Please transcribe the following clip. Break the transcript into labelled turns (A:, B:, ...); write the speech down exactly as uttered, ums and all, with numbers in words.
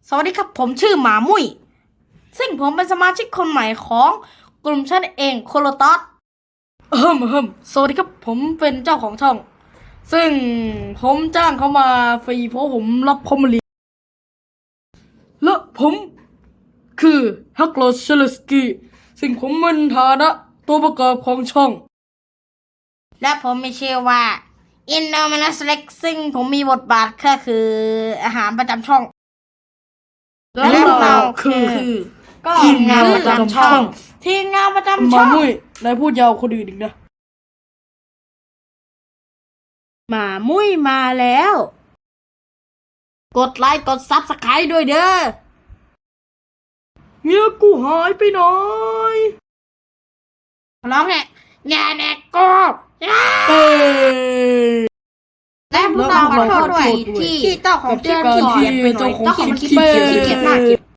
A: สวัสดีครับผมชื่อหมามุ้ยซึ่งผมเป็นสมาชิกคนใหม่ของกลุ่มฉันเองโคโลตอสเฮิมเฮิมสวัสดีครับผมเป็นเจ้าของช่อง ซึ่งผมจ้างเขามาฟรีเพราะผมรับเขามาเรียนและผมคือฮักโลเชลสกี้ซึ่งผมเป็นฐานะตัวประกอบของช่อง และผมมีชื่อว่าอินโนมินัสเล็กซึ่งผมมีบทบาทก็คืออาหารประจำช่องและเราคือก็ทีมงานประจำช่องทีมงานประจำช่องหมามุ้ยนายพูดยาวคนอื่นอีกนะหมามุ้ยมาแล้วกดไลค์กดซับสไครต์ด้วยเด้อเมียกูหายไปไหนร้องแหละแง่แน่กูเอ้และพวกเราขอโทษด้วยที่เจ้าของเตือนขี้เกียจไปหน่อยเจ้าของขี้เกียจขี้เกียจมาก